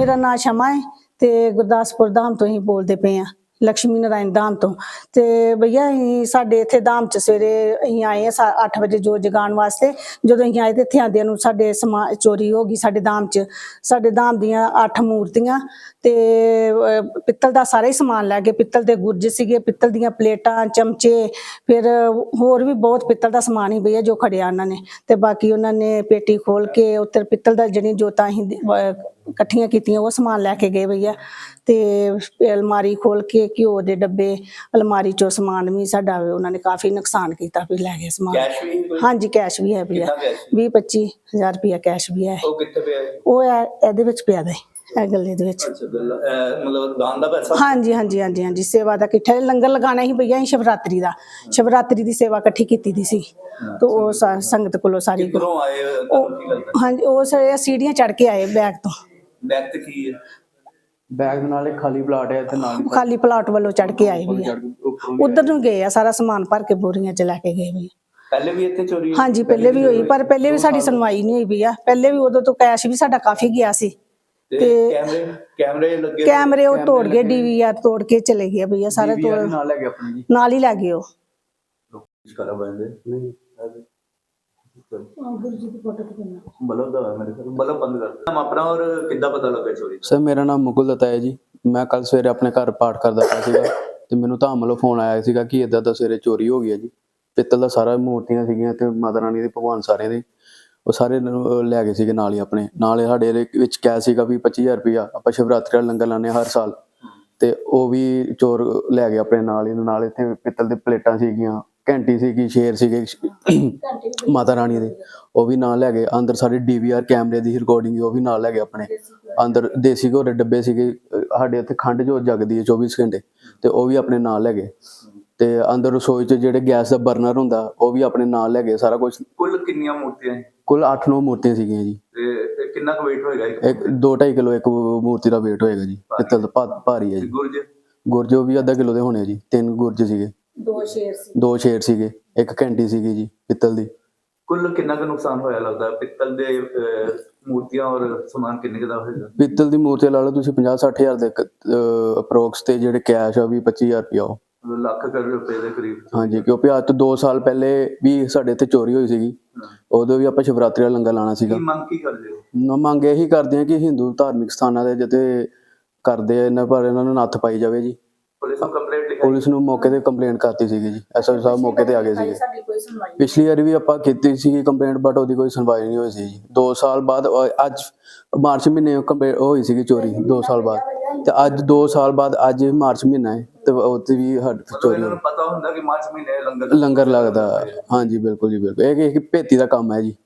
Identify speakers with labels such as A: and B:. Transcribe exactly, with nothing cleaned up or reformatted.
A: ਮੇਰਾ ਨਾਂ ਸ਼ਮਾ ਹੈ ਤੇ ਗੁਰਦਾਸਪੁਰ ਧਾਮ ਤੋਂ ਹੀ ਬੋਲਦੇ ਪਏ ਆ, ਲక్ష్ਮੀ ਨਾਰਾਇਣ ਧਾਮ ਤੋਂ। ਤੇ ਭਈਆ ਅਸੀਂ ਸਾਡੇ ਇੱਥੇ ਧਾਮ ਚ ਸਵੇਰੇ ਅਸੀਂ ਆਏ ਆ ਅੱਠ ਵਜੇ ਜੋਤ ਜਗਾਉਣ ਵਾਸਤੇ। ਜਦੋਂ ਅਸੀਂ ਆਏ ਤੇ ਇੱਥੇ ਆਉਂਦਿਆਂ ਨੂੰ ਸਾਡੇ ਸਮਾ ਚੋਰੀ ਹੋ ਗਈ ਸਾਡੇ ਧਾਮ ਚ। ਸਾਡੇ ਧਾਮ ਦੀਆਂ ਅੱਠ ਮੂਰਤੀਆਂ ਤੇ ਪਿੱਤਲ ਦਾ ਸਾਰਾ ਹੀ ਸਮਾਨ ਲੈ ਗਏ। ਪਿੱਤਲ ਦੇ ਗੁਰਜ ਸੀਗੇ, ਪਿੱਤਲ ਦੀਆਂ ਪਲੇਟਾਂ, ਚਮਚੇ, ਫਿਰ ਹੋਰ ਵੀ ਬਹੁਤ ਪਿੱਤਲ ਦਾ ਸਮਾਨ ਹੀ ਭਈਆ ਜੋ ਖੜਿਆ ਉਹਨਾਂ ਨੇ। ਤੇ ਬਾਕੀ ਉਹਨਾਂ ਨੇ ਪੇਟੀ ਖੋਲ ਕੇ ਉੱਤੇ ਪਿੱਤਲ ਦਾ ਜਿਹੜੀ ਜੋਤਾਂ ਅਸੀਂ ਇਕੱਠੀਆਂ ਕੀਤੀਆਂ ਉਹ ਸਮਾਨ ਲੈ ਕੇ ਗਏ ਭਈਆ। ਤੇ ਅਲਮਾਰੀ ਖੋਲ ਕੇ ਘਿਓ ਦੇ ਡੱਬੇ, ਅਲਮਾਰੀ ਚੋਂ ਸਮਾਨ ਵੀ ਸਾਡਾ ਉਹਨਾਂ ਨੇ ਕਾਫੀ ਨੁਕਸਾਨ ਕੀਤਾ, ਵੀ ਲੈ ਗਏ ਸਮਾਨ। ਹਾਂਜੀ ਕੈਸ਼ ਵੀ ਹੈ ਭਈਆ, ਵੀਹ ਪੱਚੀ ਹਜ਼ਾਰ ਰੁਪਇਆ ਕੈਸ਼ ਵੀ ਹੈ।
B: ਉਹ ਕਿੱਥੇ ਪਿਆ?
A: ਉਹ ਇਹਦੇ ਵਿੱਚ ਪਿਆ ਦੇ, ਇਹ ਗੱਲੇ ਦੇ ਵਿੱਚ।
B: ਅੱਛਾ, ਗੱਲਾ ਮਤਲਬ ਦਾਨ ਦਾ ਪੈਸਾ?
A: ਹਾਂਜੀ ਹਾਂਜੀ ਹਾਂਜੀ ਹਾਂਜੀ, ਸੇਵਾ ਦਾ ਇਕੱਠਾ ਲੰਗਰ ਲਗਾਉਣਾ ਸੀ ਭਈਆ। ਅਸੀਂ ਸ਼ਿਵਰਾਤਰੀ ਦਾ ਸ਼ਿਵਰਾਤਰੀ ਦੀ ਸੇਵਾ ਇਕੱਠੀ ਕੀਤੀ ਦੀ ਸੀ ਤੇ ਉਹ ਸੰਗਤ ਕੋਲੋਂ ਸਾਰੀ।
B: ਕਿੱਧਰੋਂ ਆਏ?
A: ਹਾਂਜੀ, ਉਹ ਸੀੜੀਆਂ ਚੜ ਕੇ ਆਏ ਬੈਗ ਤੋਂ।
B: ਬੈਗ ਤੇ ਕੀ ਹੈ?
C: ਬੈਗ ਨਾਲ ਇੱਕ ਖਾਲੀ ਪਲਾਟ ਹੈ ਇੱਥੇ ਨਾਲ,
A: ਖਾਲੀ ਪਲਾਟ ਵੱਲੋਂ ਚੜ ਕੇ ਆਏ ਵੀ ਉਧਰ ਨੂੰ ਗਏ ਆ, ਸਾਰਾ ਸਮਾਨ ਭਰ ਕੇ ਬੋਰੀਆਂ ਚ ਲੈ ਕੇ ਗਏ ਵੀ।
B: ਪਹਿਲੇ ਵੀ ਇੱਥੇ ਚੋਰੀ?
A: ਹਾਂਜੀ ਪਹਿਲੇ ਵੀ ਹੋਈ, ਪਰ ਪਹਿਲੇ ਵੀ ਸਾਡੀ ਸੁਣਵਾਈ ਨਹੀਂ ਹੋਈ ਵੀ ਆ। ਪਹਿਲੇ ਵੀ ਉਦੋਂ ਤੋਂ ਕੈਸ਼ ਵੀ ਸਾਡਾ ਕਾਫੀ ਗਿਆ ਸੀ।
B: ਤੇ ਕੈਮਰੇ ਕੈਮਰੇ ਲੱਗੇ?
A: ਕੈਮਰੇ ਉਹ ਤੋੜ ਗਏ, ਡੀਵੀਆਰ ਤੋੜ ਕੇ ਚਲੇ ਗਏ ਭਈਆ ਸਾਰੇ। ਤੋੜ
C: ਨਾਲ ਲੈ ਗਏ ਆਪਣੇ ਜੀ,
A: ਨਾਲ ਹੀ ਲੈ ਗਏ ਉਹ।
B: ਕਰਾ ਬੰਦੇ ਨਹੀਂ ਬਲਬ ਦਾ ਮੇਰੇ ਕੋਲ ਬਲਬ ਬੰਦ ਕਰ ਦਿੱਤਾ ਆਪਣਾ। ਔਰ ਕਿੱਦਾਂ ਪਤਾ ਲੱਗਾ ਚੋਰੀ?
C: ਸਰ ਮੇਰਾ ਨਾਮ ਮੁਕੁਲ ਦੱਤਾ ਹੈ ਜੀ। ਮੈਂ ਕੱਲ ਸਵੇਰੇ ਆਪਣੇ ਘਰ ਪਾਠ ਕਰਦਾ ਪਿਆ ਸੀਗਾ ਤੇ ਮੈਨੂੰ ਧਾਮ ਵੱਲੋਂ ਫੋਨ ਆਇਆ ਸੀਗਾ ਕਿ ਇਦਾਂ ਦਾ ਸਵੇਰੇ ਚੋਰੀ ਹੋ ਗਈ ਹੈ ਜੀ। ਪਿੱਤਲ ਦਾ ਸਾਰਾ ਮੂਰਤੀਆਂ ਸੀਗੀਆਂ ਤੇ ਮਾਤਾ ਰਾਣੀ ਦੇ ਭਗਵਾਨ ਸਾਰੇ ਦੇ ਉਹ ਸਾਰੇ ਲੈ ਗਏ ਸੀਗੇ। ਨਾਲ ਹੀ ਆਪਣੇ ਨਾਲ ਸਾਡੇ ਵਿੱਚ ਕੈਸ਼ ਸੀਗਾ ਵੀ ਪੱਚੀ ਹਜ਼ਾਰ ਰੁਪਇਆ। ਆਪਾਂ ਸ਼ਿਵਰਾਤਰੀ ਦਾ ਲੰਗਰ ਲਾਉਂਦੇ ਹਰ ਸਾਲ, ਤੇ ਉਹ ਵੀ ਚੋਰ ਲੈ ਗਏ ਆਪਣੇ ਨਾਲ ਹੀ। ਨਾਲ ਇੱਥੇ ਪਿੱਤਲ ਦੇ ਪਲੇਟਾਂ ਸੀਗੀਆਂ, ਘੰਟੀ ਸੀਗੀ, ਸ਼ੇਰ ਸੀਗੇ ਮਾਤਾ ਰਾਣੀ ਦੇ, ਉਹ ਵੀ ਨਾਲ ਲੈ ਗਏ। ਅੰਦਰ ਸਾਡੇ ਡੀ ਵੀ ਆਰ ਕੈਮਰੇ ਦੀ ਰਿਕਾਰਡਿੰਗ ਉਹ ਵੀ ਨਾਲ ਲੈ ਗਏ ਆਪਣੇ। ਅੰਦਰ ਦੇਸੀ ਘੋੜੇ ਡੱਬੇ ਸੀਗੇ, ਸਾਡੇ ਇੱਥੇ ਖੰਡ ਜੋ ਜਗਦੀ ਹੈ ਚੌਵੀ ਘੰਟੇ, ਤੇ ਉਹ ਵੀ ਆਪਣੇ ਨਾਲ ਲੈ ਗਏ। ਤੇ ਅੰਦਰ ਰਸੋਈ 'ਚ ਜਿਹੜੇ ਗੈਸ ਦਾ ਬਰਨਰ ਹੁੰਦਾ ਉਹ ਵੀ ਆਪਣੇ ਨਾਲ ਲੈ ਗਏ ਸਾਰਾ ਕੁਝ।
B: ਕੁੱਲ ਕਿੰਨੀਆਂ ਮੂਰਤੀਆਂ?
C: ਕੁੱਲ ਅੱਠ ਨੌ ਮੂਰਤੀਆਂ ਸੀਗੀਆਂ ਜੀ।
B: ਤੇ ਕਿੰਨਾ ਕੁ weight ਹੋਏਗਾ?
C: ਇੱਕ ਦੋ ਢਾਈ ਕਿਲੋ ਇੱਕ ਮੂਰਤੀ ਦਾ weight ਹੋਏਗਾ ਜੀ। ਪਿੱਤਲ ਦਾ ਭਾਰੀ ਹੈ ਜੀ।
B: ਗੁਰਜ? ਗੁਰਜ
C: ਉਹ ਵੀ ਅੱਧਾ ਕਿਲੋ ਦੇ ਹੋਣੇ ਜੀ। ਤਿੰਨ ਗੁਰਜ ਸੀਗੇ,
A: ਦੋ ਸ਼ੇਰ ਸੀ
C: ਦੋ ਸ਼ੇਰ ਸੀਗੇ, ਇੱਕ ਘੰਟੀ ਸੀਗੀ ਜੀ ਪਿੱਤਲ ਦੀ।
B: ਕੁੱਲ ਕਿੰਨਾ ਕੁ ਨੁਕਸਾਨ ਹੋਇਆ ਲੱਗਦਾ ਪਿੱਤਲ ਦੇ ਮੂਰਤੀਆਂ ਔਰ ਸਮਾਨ ਕਿੰਨੇ ਕੁ ਦਾ ਹੋਏਗਾ?
C: ਪਿੱਤਲ ਦੀ ਮੂਰਤੀ ਲਾ ਲਓ ਤੁਸੀਂ ਪੰਜਾਹ ਸੱਠ ਹਜ਼ਾਰ ਦੇ ਅਪਰੋਕਸ, ਤੇ ਜਿਹੜੇ ਕੈਸ਼ ਆ ਵੀ ਪੱਚੀ ਹਜ਼ਾਰ ਰੁਪਇਆ ਉਹ
B: ਲੱਖ ਕਰੋੜ ਰੁਪਏ ਦੇ ਕਰੀਬ।
C: ਹਾਂਜੀ, ਕਿਉਂਕਿ ਅੱਜ ਤੋਂ ਦੋ ਸਾਲ ਪਹਿਲੇ ਵੀ ਸਾਡੇ ਇੱਥੇ ਚੋਰੀ ਹੋਈ ਸੀਗੀ। ਉਦੋਂ ਵੀ ਆਪਾਂ ਸ਼ਿਵਰਾਤਰੀ ਦਾ ਲੰਗਰ ਲਾਉਣਾ ਸੀਗਾ।
B: ਮੰਗ ਕੀ ਕਰਦੇ ਹੋ?
C: ਮੰਗ ਇਹੀ ਕਰਦੇ ਆ ਕਿ ਹਿੰਦੂ ਧਾਰਮਿਕ ਸਥਾਨਾਂ ਦੇ ਜਿੱਥੇ ਕਰਦੇ ਆ ਇਹਨਾਂ ਪਰ ਇਹਨਾਂ ਨੂੰ ਨੱਥ ਪਾਈ ਜਾਵੇ ਜੀ।
B: ਪੁਲਿਸ ਨੂੰ ਕੰਪਲੇਂਟ ਲਿਖਾਈ? ਪੁਲਿਸ
C: ਨੂੰ ਮੌਕੇ ਤੇ ਕੰਪਲੇਂਟ ਕਰਤੀ ਸੀਗੀ ਜੀ। ਐਸ ਐਚ ਓ ਸਾਹਿਬ ਮੌਕੇ ਤੇ ਆ ਗਏ ਸੀਗੇ। ਪਿਛਲੀ ਵਾਰੀ ਵੀ ਆਪਾਂ ਕੀਤੀ ਸੀਗੀ ਕੰਪਲੇਂਟ, ਬਟ ਉਹਦੀ ਕੋਈ ਸੁਣਵਾਈ ਨਹੀਂ ਹੋਈ ਸੀ ਜੀ। ਦੋ ਸਾਲ ਬਾਅਦ ਅੱਜ ਮਾਰਚ ਮਹੀਨੇ ਕੰਪਲੇਂਟ ਹੋਈ ਸੀਗੀ ਚੋਰੀ, ਦੋ ਸਾਲ ਬਾਅਦ। ਤੇ ਅੱਜ ਦੋ ਸਾਲ ਬਾਅਦ ਅੱਜ ਮਾਰਚ ਮਹੀਨਾ ਹੈ ਤੇ ਉੱਥੇ ਵੀ ਚੋਰੀ।
B: ਪਤਾ ਹੁੰਦਾ ਕਿ ਮਾਰਚ ਮਹੀਨੇ ਲੰਗਰ
C: ਲੰਗਰ ਲੱਗਦਾ। ਹਾਂਜੀ ਬਿਲਕੁਲ ਜੀ ਬਿਲਕੁਲ, ਇਹ ਇੱਕ ਭੇਤੀ ਦਾ ਕੰਮ ਹੈ ਜੀ।